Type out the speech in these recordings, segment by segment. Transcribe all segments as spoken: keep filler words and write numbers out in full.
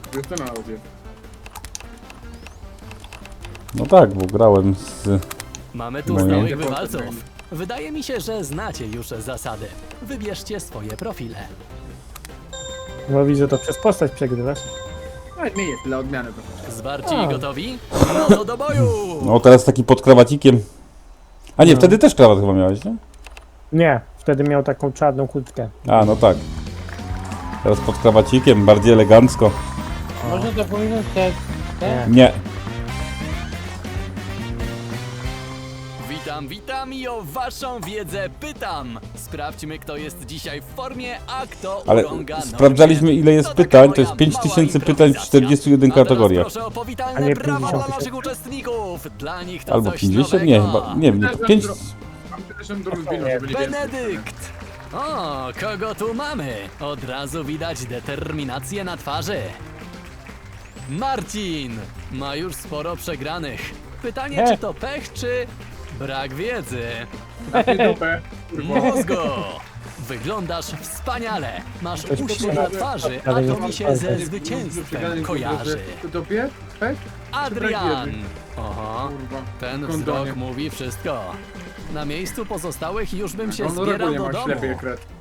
Jestem na audio. No tak, bo grałem z... Mamy tu No nie. stałych wywalców. Wydaje mi się, że znacie już zasady. Wybierzcie swoje profile. Bo widzę, to przez postać przegrywasz. Nawet nie jest, dla odmiany to. Zwarci A. i gotowi? No to do boju! No teraz taki pod krawacikiem. A nie, wtedy też krawat chyba miałeś, nie? Nie, wtedy miał taką czarną kurtkę. A, no tak. Teraz pod krawacikiem, bardziej elegancko. Można to pominąć te... te? Nie. Nie. Witam, witam i o waszą wiedzę pytam. Sprawdźmy, kto jest dzisiaj w formie, a kto Ale urąga normie. sprawdzaliśmy, ile jest To taka pytań, to moja jest pięć mała tysięcy pytań w improwizacja. czterdziestu jeden A teraz kategoriach. proszę o A powitalne nie brawa dla pięćdziesiąt naszych uczestników. Dla nich to Albo coś pięćdziesiąt? nowego. Nie, chyba, nie wiem, nie, pięć... Mam przepraszam drugą wino, żeby nie wiem. Benedykt! O, kogo tu mamy? Od razu widać determinację na twarzy. Marcin! Ma już sporo przegranych. Pytanie, He. czy to pech, czy brak wiedzy? Na dupę. Kurwa. Mózgo! Wyglądasz wspaniale. Masz Coś uśmiech potrzeba. na twarzy, a Ale to nie mi się mam ze palców. zwycięstwem kojarzy. To tobie? Pek? Adrian! Oho, Kurwa. ten Kondonie. wzrok mówi wszystko. Na miejscu pozostałych już bym się On zbierał nie do ma domu. ślepy jak red.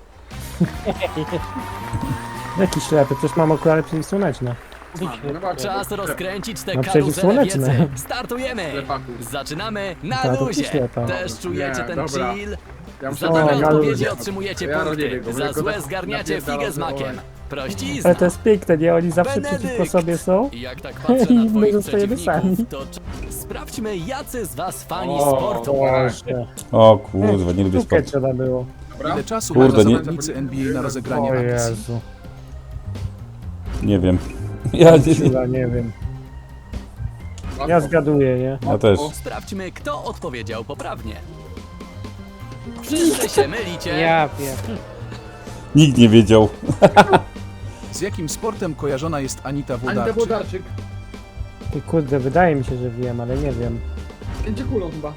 Jaki ślepy, przecież mam okulary przeciwsłoneczne. A, no właśnie. Czas rozkręcić te No karuzele przeciwsłoneczne. wiedzy. Startujemy! Ślepaków. Zaczynamy na Ta, to luzie. ty ślepa. Też czujecie Nie, ten dobra. chill? Ja Za O, dobre na odpowiedzi luzie. otrzymujecie Ja punkty. robię go, Za tylko złe tak zgarniacie napierdalam figę z do makiem. ołej. Prościzna. Ale to jest piękne, nie? Oni zawsze Benedykt. przeciwko sobie są. I jak tak patrzę I na my twoich zostajemy przeciwników, sami. to cz- sprawdźmy, jacy z was fani O, sportu. Boże. O kurwa, nie lubię Sztukę sportu. trzeba było. Dobra? Ile czasu Kurde, mają nie- zawodnicy N B A na O rozegranie akcji? Jezu. Nie wiem. Ja, nie, Chyba nie wiem. Ja zgaduję, nie? ja też. Sprawdźmy, kto odpowiedział poprawnie. Wszyscy się mylicie. Ja wiem. Nikt nie wiedział. Z jakim sportem kojarzona jest Anita Anita Włodarczyk? Włodarczyk. I kurde, wydaje mi się, że wiem, ale nie wiem. Będzie kulą chyba.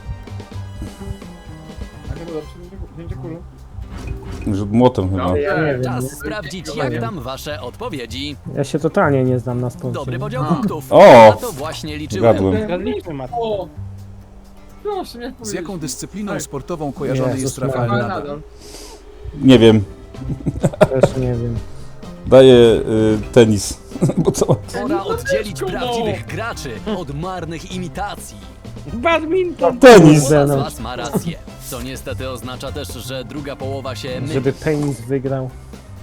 Anita Włodarczyk będzie kulą. Rzut młotem chyba. Ja nie wiem. Czas Nie? sprawdzić, jak tam wasze odpowiedzi. Ja się totalnie nie znam na sporcie. Dobry podział punktów. O! Na to właśnie liczyłem. Gadłem. Zgadliśmy, Mat. O! Proszę mnie Z jaką dyscypliną Tak. sportową kojarzony Jezus jest Rafael Maria. Nadal? Nie wiem. Też nie wiem. Daję y, tenis. Bo co? Pora oddzielić prawdziwych graczy od marnych imitacji. Badminton! Tenis! Połowa z no. was ma rację. Co niestety oznacza też, że druga połowa się myli. Żeby penis wygrał.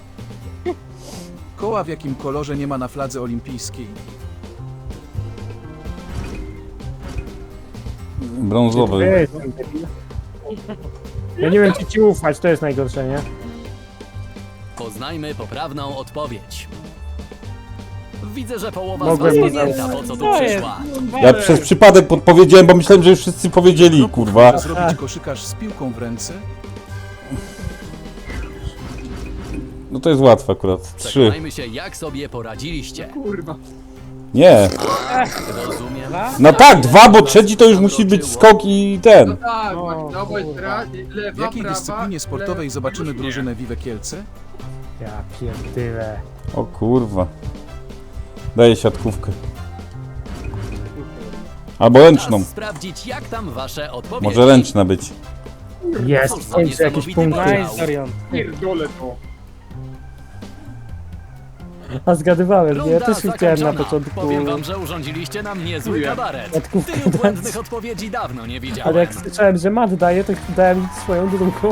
Koła w jakim kolorze nie ma na fladze olimpijskiej? Brązowy. Ja jestem debil. Ja nie wiem, czy ci ufać, to jest najgorsze, nie? Poznajmy poprawną odpowiedź. Widzę, że połowa Mogłem z was nie pamięta, po co tu To jest. przyszła. Ja przez przypadek podpowiedziałem, bo myślałem, że już wszyscy powiedzieli, Kroków kurwa. może zrobić koszykarz z piłką w ręce? No to jest łatwe akurat. Trzy. Przekonajmy się, jak sobie poradziliście. Kurwa. Nie. Rozumiem. No tak, dwa, bo trzeci to już musi być skok i No ten. tak, O, właśnie, no bo jest kurwa. ra- W lewa, jakiej prawa, dyscyplinie sportowej lewa, zobaczymy nie. drużynę Vive Kielce? Ja pierdyle. O kurwa. Daję siatkówkę. Albo ręczną. Czas sprawdzić, jak tam wasze odpowiedzi. Może ręczna być. Jest, Cóż w za końcu jakieś niesamowity punkty. podział. Nice, Dorian. Pierdolę to. A zgadywałem, nie? Ja Runda też chciałem na zakończona. początku. Powiem wam, że urządziliście nam niezły Dziękuję. kabaret. Siatkówkę Tylu dać. błędnych odpowiedzi dawno nie widziałem. Ale jak słyszałem, że Mat daje, to dałem swoją drugą.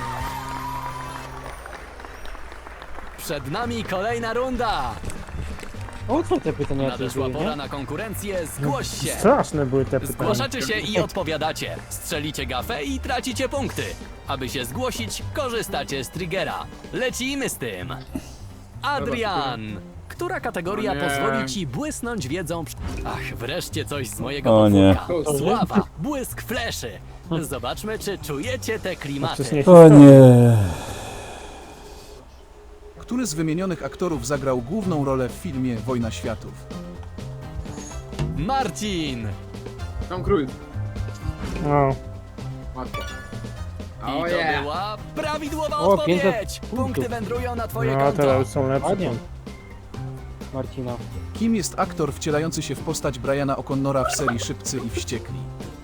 Przed nami kolejna runda. O co te pytania Nadeszła były, pora nie? na konkurencję. Zgłoś się. Straszne były te pytania. Zgłaszacie się i odpowiadacie. Strzelicie gafę i tracicie punkty. Aby się zgłosić, korzystacie z triggera. Lecimy z tym. Adrian, która kategoria O nie. pozwoli ci błysnąć wiedzą? przy- Ach, wreszcie coś z mojego O nie. podwórka. Sława, błysk fleszy. Zobaczmy, czy czujecie te klimaty. Przecież nie O nie. Który z wymienionych aktorów zagrał główną rolę w filmie Wojna Światów? Marcin! Tom Cruise. No. Matko. I O to yeah. była prawidłowa O, odpowiedź! pięćset Punkty wędrują na twoje No, konto. teraz już są lepsze. Ładnie. Marcina. Kim jest aktor wcielający się w postać Briana O'Connora w serii Szybcy i Wściekli?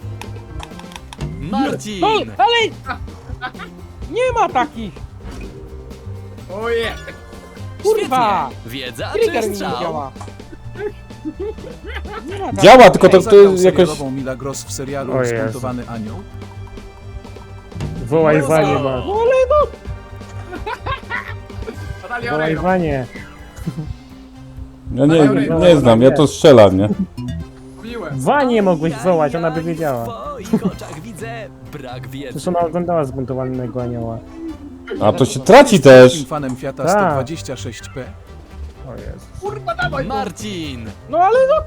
Marcin! No, ale... Nie ma takich! Oje! Kurwa! Świetnie. Wiedza Trigger czy mi nie strzał? działa. Nie ma takich. Działa, tylko to, to Zagrał jakoś... serialową Mila Gross w serialu O Jezu. Zbuntowany Anioł? Wołaj Brawo! Wanie, ma. Natalia Wołaj Oreiro. Wanie. Ja nie, nie znam, ja to strzelam, nie? Mówiłem. Wanie mogłeś Oj, wołać, ona by oj, oj, wiedziała. W twoich oczach widzę brak wiedzy. Przecież ona oglądała Zbuntowanego Anioła. A to się traci też. Wielkim fanem Fiata Tak. sto dwadzieścia sześć P? O Jezu. Kurwa, dawaj to. Marcin! No ale no!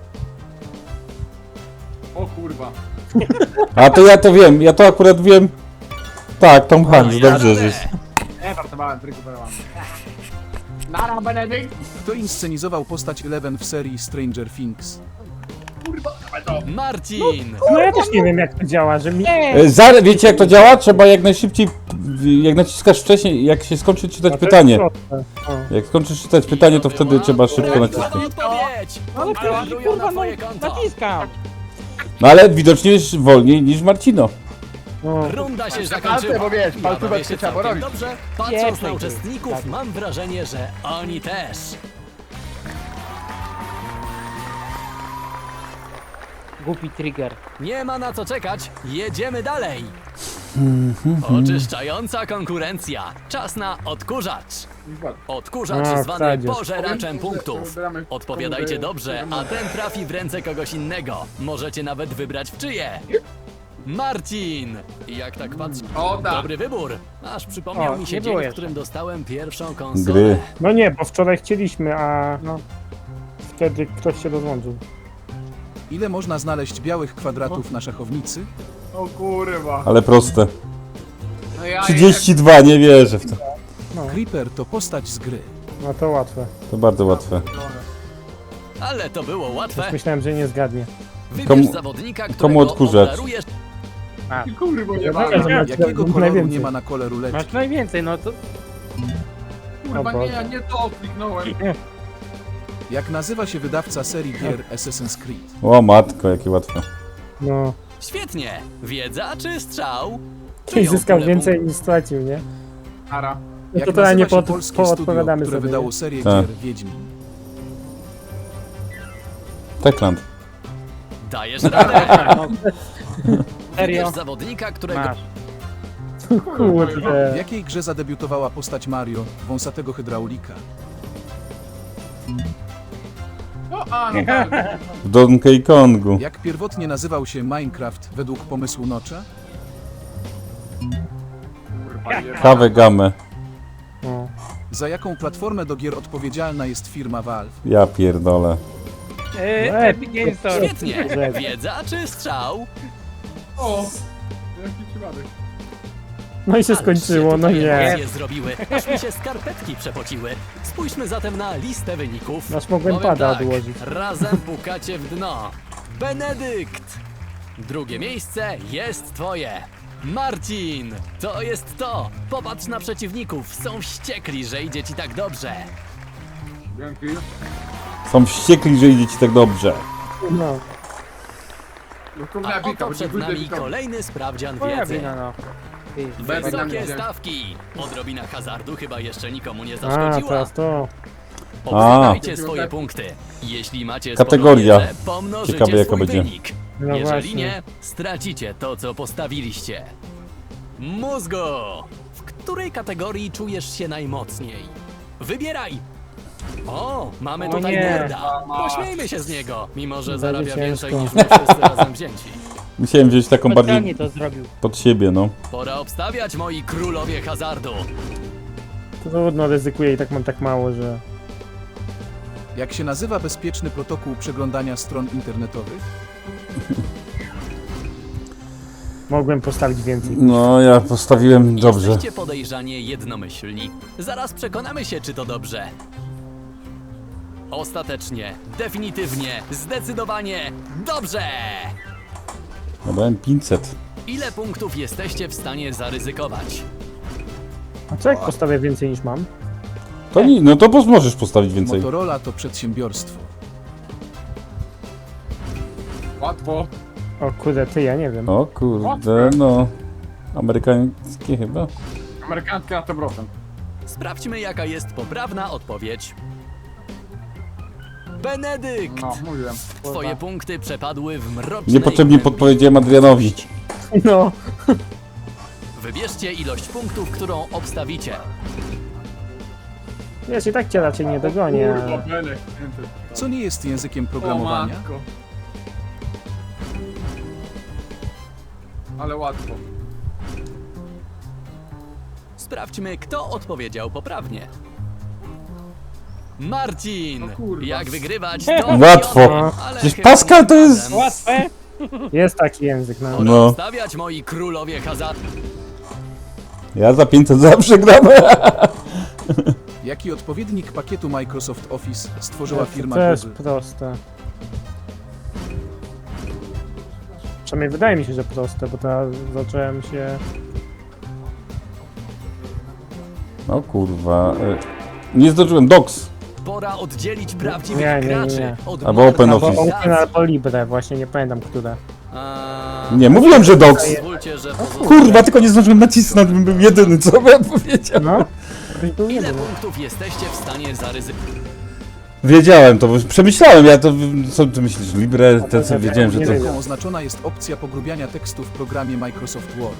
O kurwa. A to ja to wiem, ja to akurat wiem. Tak, Tom Hanks, dobrze, że... Nie, żartowałem, rekuperowałem. Nara, Benedykt. Kto inscenizował postać Eleven w serii Stranger Things? Kurwa, dawaj to. Marcin! No ja też nie wiem jak to działa, że mi... E, Za, wiecie jak to działa? Trzeba jak najszybciej, jak naciskasz wcześniej, jak się skończy czytać No to pytanie. jest proste. O. Jak skończysz czytać pytanie, to wtedy trzeba szybko Ładna nacisnąć. odpowiedź! No ale przecież Ładują na kurwa no, twoje konto. naciskam! No ale widocznie jest wolniej niż Marcino. No. Runda się Palce, zakończyła. bo wiesz, Bawię palcówek się trzeba całkiem robić. dobrze. Patrząc Pieprzej na ty. uczestników, Tak. mam wrażenie, że oni też. Głupi trigger. Nie ma na co czekać, jedziemy dalej. Oczyszczająca konkurencja. Czas na odkurzacz. Odkurzacz A, zwany wsadzisz. pożeraczem punktów. Odpowiadajcie dobrze, a ten trafi w ręce kogoś innego. Możecie nawet wybrać w czyje. Marcin! Jak tak patrzę, O, tak. dobry wybór. Aż przypomniał O, mi się nie dzień, było w jeszcze. którym dostałem pierwszą konsolę. Gry. No nie, bo wczoraj chcieliśmy, a No. wtedy ktoś się rozłączył. Ile można znaleźć białych kwadratów na szachownicy? O kurwa. Ale proste. No ja trzydzieści dwa, nie wierzę w to. Creeper to postać z gry. No to łatwe. To bardzo łatwe. Ale to było łatwe. Myślałem, że nie zgadnie. Wybierz Komu- zawodnika, którego komu odkurzacz? obdarujesz. Kurwa, nie Ja ma. wiem, że macie Jakiego koloru najwięcej. nie ma na kole ruleczki? Masz najwięcej, no to... Kurwa, O nie, Boże. ja nie to kliknąłem. Jak nazywa się wydawca serii gier Assassin's Creed? O matko, jakie łatwe. No. Świetnie. Wiedza czy strzał? Ktoś Czyją zyskał pulę więcej punktów? niż stracił, nie? Nara. No Jak to teraz nie nazywa się pod, polskie studio, poodpowiadamy które sobie. wydało nie? serię Tak. gier Wiedźmin? Techland. Dajesz radę. No. Wybierz Serio? zawodnika, którego Masz. W Kurde. jakiej grze zadebiutowała postać Mario, wąsatego hydraulika? No, a, no tak. W Donkey Kongu. Jak pierwotnie nazywał się Minecraft według pomysłu Notcha? Kurwa, nie ma. Kawę gamę. No. Za jaką platformę do gier odpowiedzialna jest firma Valve? Ja pierdolę. Eee, No, Epic Games Store. Świetnie. Że- Wiedza czy strzał? O, jaki przypadek. No i się Ale skończyło, się no tutaj nie. emocje zrobiły, aż mi się skarpetki przepociły. Spójrzmy zatem na listę wyników. Nasz mogłem Powiem pada tak, odłożyć. razem pukacie w dno. Benedykt! Drugie miejsce jest twoje. Marcin! To jest to! Popatrz na przeciwników, są wściekli, że idzie ci tak dobrze. Dzięki. Są wściekli, że idzie ci tak dobrze. No. No kurwa, A ja wika, oto bo przed dziękuję, nami wika. kolejny sprawdzian Twoja wiedzy. wina, no. Ty. Bez nami Wysokie idzie. stawki! Odrobina hazardu chyba jeszcze nikomu nie A, zaszkodziła. teraz to. Obstawiajcie A. swoje punkty. Jeśli macie Kategoria. sporą wiedzę, pomnożycie Ciekawe, jaka swój będzie. wynik. No Jeżeli właśnie. nie, stracicie to, co postawiliście. Mózgu! W której kategorii czujesz się najmocniej? Wybieraj! O, mamy O tutaj nie. nerda. Pośmiejmy się z niego, mimo że Będzie zarabia więcej ciężko. niż my wszyscy razem wzięci. Musiałem wziąć taką Specjalnie bardziej to zrobił. pod siebie, no. Pora obstawiać, moi królowie hazardu. To trudno, ryzykuję i tak mam tak mało, że... Jak się nazywa bezpieczny protokół przeglądania stron internetowych? Mogłem postawić więcej. No, ja postawiłem dobrze. Jesteście podejrzanie jednomyślni. Zaraz przekonamy się, czy to dobrze. Ostatecznie, definitywnie, zdecydowanie dobrze! Ja dałem pięćset. Ile punktów jesteście w stanie zaryzykować? A co jak postawię więcej niż mam? To nie, no to pos- możesz postawić więcej. Motorola to przedsiębiorstwo. Łatwo. O kurde, ty, ja nie wiem. O kurde, no. Amerykańskie chyba. Amerykańskie na sto procent. Sprawdźmy, jaka jest poprawna odpowiedź. Benedykt! No, mówiłem. Twoje punkty przepadły w mrocznej Niepotrzebnie głębi. podpowiedziałem Adrianowi. No. Wybierzcie ilość punktów, którą obstawicie. Wiesz, i tak cię raczej nie dogonię. Kurwa, ale- Benek. Co nie jest językiem O programowania? matko. Ale łatwo. Sprawdźmy, kto odpowiedział poprawnie. Marcin! O kurwa. Jak wygrywać, to Łatwo. wiadomo, ale Przecież chyba Pascal to nie jest- razem. Łatwe. Jest taki język, no. Pora No. stawiać, moi królowie hazardu. Ja za pięćset zawsze gram. Jaki odpowiednik pakietu Microsoft Office stworzyła To firma jest Google? proste. Przynajmniej wydaje mi się, że proste, bo teraz zacząłem się... No kurwa. e, Nie zdążyłem. Docs. Pora oddzielić prawdziwych Nie, nie, nie, graczy nie. od Albo Open Albo Office. Open albo Libre, właśnie nie pamiętam, które. A... Nie, mówiłem, że Docs. Pozwólcie, że pozostałe- Kurwa, tylko nie zdążyłem nacisnąć, bym był jedyny, co bym powiedział. No. Byś był Ile jedyny. punktów jesteście w stanie zaryzykować? Wiedziałem to, bo przemyślałem, ja to, co ty myślisz, Libre, te co wiedziałem, że Nie to... wiem. Jaką oznaczona jest opcja pogrubiania tekstu w programie Microsoft Word?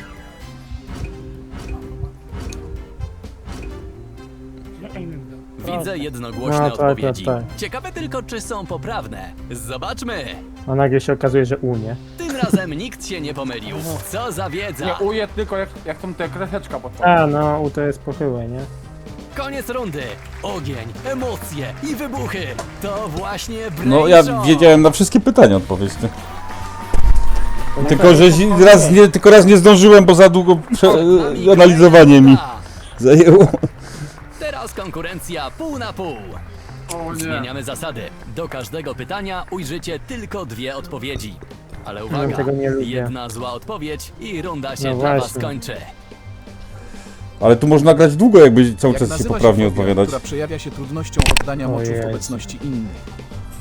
Widzę jednogłośne No, tak, odpowiedzi. tak, tak. Ciekawe tylko, czy są poprawne. Zobaczmy! A nagle się okazuje, że U, nie? Tym razem nikt się nie pomylił. Co za wiedza! Nie uje tylko jak, jak tą te kreseczka pod A, no, U to jest pochyłe, nie? Koniec rundy! Ogień, emocje i wybuchy! To właśnie Brain No ja Show. wiedziałem na wszystkie pytania odpowiedź, ty. To na Tylko, pewno że zi- pochyłe. raz nie, tylko raz nie zdążyłem, bo za długo prze, Przed nami e, analizowanie mi kolejna zajęło. Teraz konkurencja pół na pół. O nie. Zmieniamy zasady. Do każdego pytania ujrzycie tylko dwie odpowiedzi. Ale uwaga, tego nie lubię. jedna zła odpowiedź i runda się No dla was właśnie. skończy. Ale tu można grać długo, jakby cały Jak czas się nazywa poprawnie fobia, odpowiadać. która przejawia się trudnością oddania moczu Ojej. w obecności innych?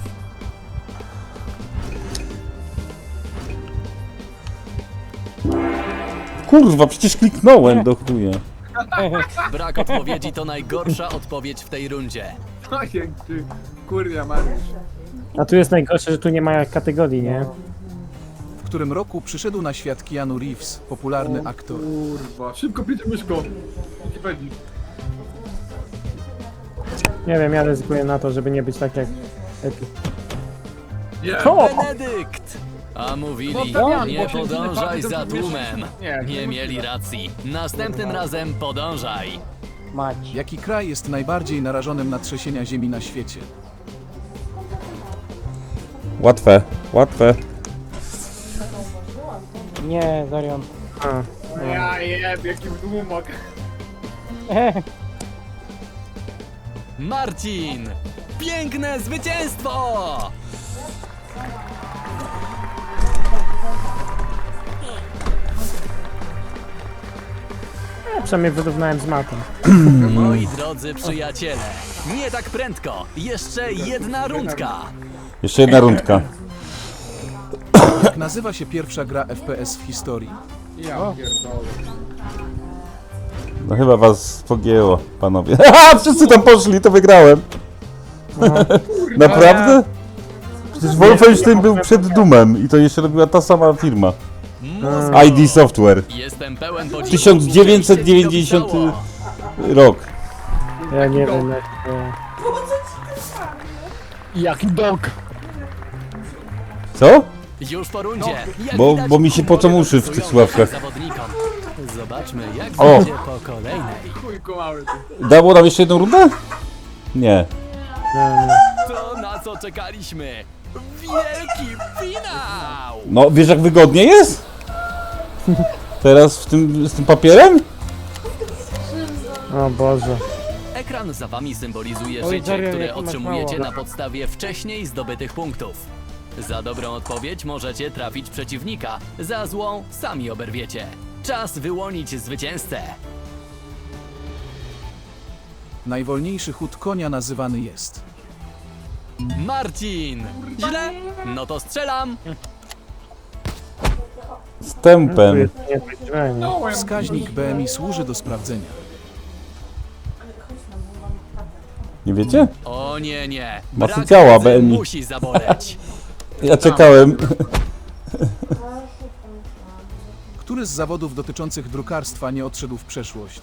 Kurwa, przecież kliknąłem, do chuja. Brak odpowiedzi to najgorsza odpowiedź w tej rundzie. Ojej, ty. Kurwa, Mariusz. A tu jest najgorsze, że tu nie ma kategorii, nie? W którym roku przyszedł na świat Keanu Reeves, popularny aktor? Kurwa. Szybko picie myszko. Wikipedii. Nie wiem, ja ryzykuję na to, żeby nie być tak jak... Epi. Nie. O! Benedykt! A mówili, No tak, nie bo się podążaj źle za patrzę, to tłumem. Nie, Nie nie mieli racji. Następnym razem podążaj. Mać. Jaki kraj jest najbardziej narażonym na trzęsienia ziemi na świecie? Łatwe, łatwe. Nie, Zorion. A, Ja jeb, jaki dłumak. Marcin! Piękne zwycięstwo! ja przynajmniej wyrównałem z matą. Moi drodzy przyjaciele, nie tak prędko. Jeszcze jedna rundka. Jeszcze jedna rundka. Jak nazywa się pierwsza gra F P S w historii? Ja pierdolę. No chyba was pogięło, panowie. Haha, wszyscy tam poszli, to wygrałem. Naprawdę? Przecież Wolfenstein był przed Doomem i to jeszcze robiła ta sama firma. Mózg. I D Software. Jestem pełen podziwu. tysiąc dziewięćset dziewięćdziesiąty Uczęście mi rok. Ja nie wiem jak to... Jak dog. Co? Już po rundzie. Jak Bo- widać, bo mi się pocą uszy w tych pasują słuchawkach. zawodnikom. Zobaczmy, jak O! będzie po kolejnej. Chujko mały ty. Dało nam jeszcze jedną rundę? Nie. To na co czekaliśmy? Wielki finał! No, wiesz jak wygodnie jest? Teraz w tym, z tym papierem? O Boże. Ekran za wami symbolizuje Oj, życie, Dorian, które jak masz otrzymujecie mało. na podstawie wcześniej zdobytych punktów. Za dobrą odpowiedź możecie trafić przeciwnika, za złą sami oberwiecie. Czas wyłonić zwycięzcę. Najwolniejszy chód konia nazywany jest. Marcin! Źle? No to strzelam! Z Tu tempem. jest niespodziewanie. No, ja Wskaźnik B M I służy do sprawdzenia. Nie wiecie? O nie, nie. Masy Brak ciała, wiedzy B M I. musi zaboleć. Ja czekałem. Który z zawodów dotyczących drukarstwa nie odszedł w przeszłość?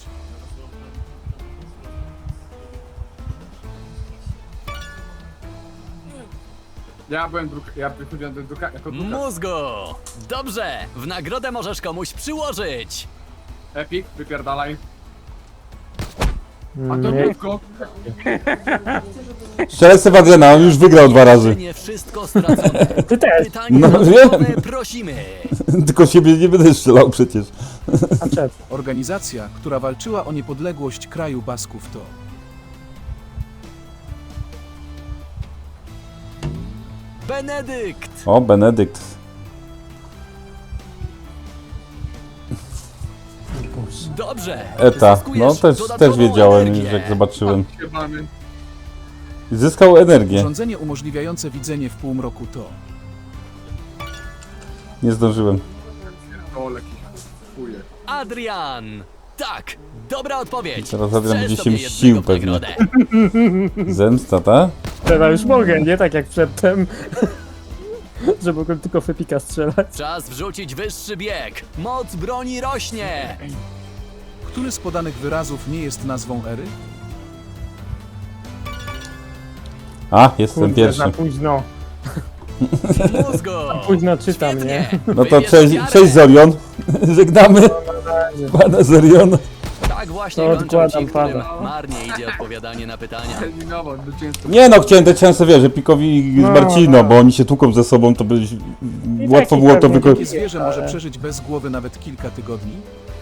Ja byłem druk... Ja wychodziłem do druka... jako drukarz. Mózgu! Dobrze! W nagrodę możesz komuś przyłożyć! Epic, wypierdalaj. A Mm, to nie- krótko. Strzelę Sebastiana, on już wygrał dwa razy. Nie wszystko stracone. Ty też. Pytanie No, dodatkowe wiem. prosimy. Tylko siebie nie będę strzelał przecież. A czep. Organizacja, która walczyła o niepodległość kraju Basków to. Benedykt! O, Benedykt. Dobrze! Eta. Zyskujesz No też, też dodatkową wiedziałem energię. już jak zobaczyłem. Się mamy. Zyskał energię. Urządzenie umożliwiające widzenie w półmroku to. Nie zdążyłem. Pierdolę, jakiś chuje. Adrian! Tak! Dobra odpowiedź! Teraz Adrian Strzel będzie się sobie mścił jednego w pewnie. nagrodę. Zemsta, ta? Teraz już mogę, nie tak jak przedtem. Że mogłem tylko Fepika strzelać. Czas wrzucić wyższy bieg! Moc broni rośnie! Który z podanych wyrazów nie jest nazwą ery? A, jestem Kurde, pierwszy. za późno. Mózgu! Późno czytam, Świetnie. nie? No to Wybierz cześć, ofiarę. cześć Zorion. Żegnamy pana Zoriona. Tak właśnie To kończą odkładam ci, którym pana. marnie idzie odpowiadanie na pytania. Eliminował, zwycięstwo. Nie no, chciałem dać szansę, wiesz, że Pikowi z No, Marcino, no. bo oni się tłuką ze sobą, to by I łatwo taki było to pewnie wykorzystać. Jakie zwierzę może ale- przeżyć bez głowy nawet kilka tygodni?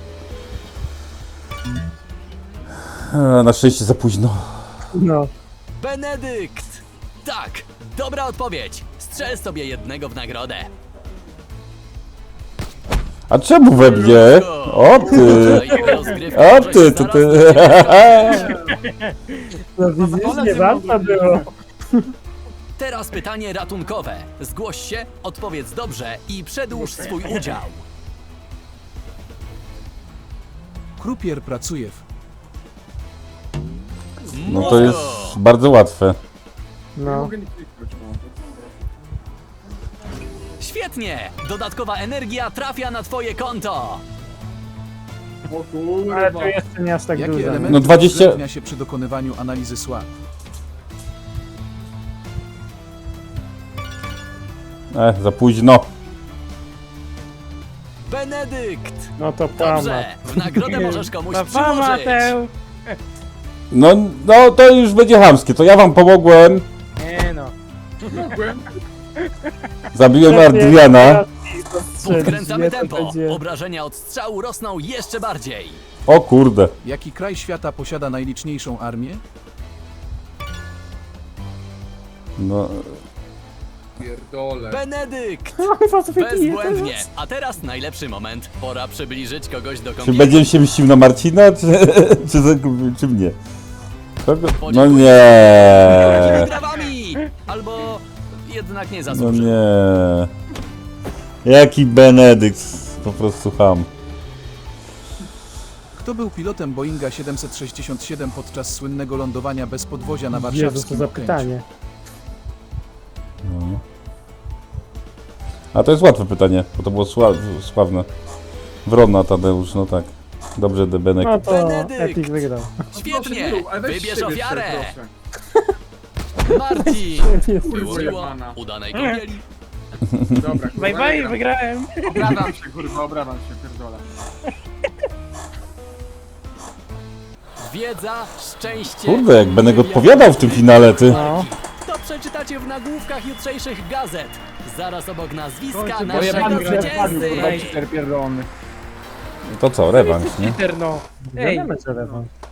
Na szczęście za późno. No. Benedykt! Tak! Dobra odpowiedź! Strzel sobie jednego w nagrodę. A czemu we mnie? O ty! O ty, to ty. No widzisz, nie warto było. Teraz pytanie ratunkowe. Zgłoś się, odpowiedz dobrze i przedłuż swój udział. Krupier pracuje w. No to jest bardzo łatwe. Nie No. mogę nie kliknąć, no. Świetnie! Dodatkowa energia trafia na twoje konto. O Ale kurwa. to jeszcze nie aż tak Jakie dużo. elementy No dwadzieścia uwzględnia się przy dokonywaniu analizy słab? E, za późno. Benedykt! No to pama. Dobrze! W nagrodę możesz komuś No pama przyłożyć. tę! No, no to już będzie chamskie, to ja wam pomogłem. Nie no. Mogłem. Zabiłem Adriana. Podkręcamy to tempo. będzie- Obrażenia od strzału rosną jeszcze bardziej. O kurde. Jaki kraj świata posiada najliczniejszą armię? No, Pierdolę. Benedykt! Kurwa, co wypije Bezbłędnie. teraz? A teraz najlepszy moment. Pora przybliżyć kogoś do czy kąpieli. będziemy się mścił na Marcina, czy, czy, za- czy mnie? Kogo? No Podziękuję. nie. Brawami! Albo jednak nie No zasłużył. nie. Jaki Benedykt. Po prostu ham. Kto był pilotem Boeinga siedemset sześćdziesiąt siedem podczas słynnego lądowania bez podwozia na Jezu, co warszawskim za Okęciu? pytanie. No. A to jest łatwe pytanie, bo to było sła sławne. Wrona Tadeusz, no tak. Dobrze, Debenek. No to Benedykt. Epic wygrał. Świetnie! Proszę, ale weź Wybierz siebie ofiarę! proszę. Marcin! Jest. Wyłożyło jebana. udanej kąpieli. Dobra, kurwa, Bye bye, wygram. wygrałem. Obrażam się, kurwa, obrażam się, pierdolę. Wiedza, szczęście... Kurde, jak Benek odpowiadał w tym finale, ty. No. To przeczytacie w nagłówkach jutrzejszych gazet. Zaraz obok nazwiska Kończy, bo naszego jebany zwycięzcy. Cheater pierdolony. To co, rewanż, nie? Cheater no. Ej, Wiadomo, co rewanż.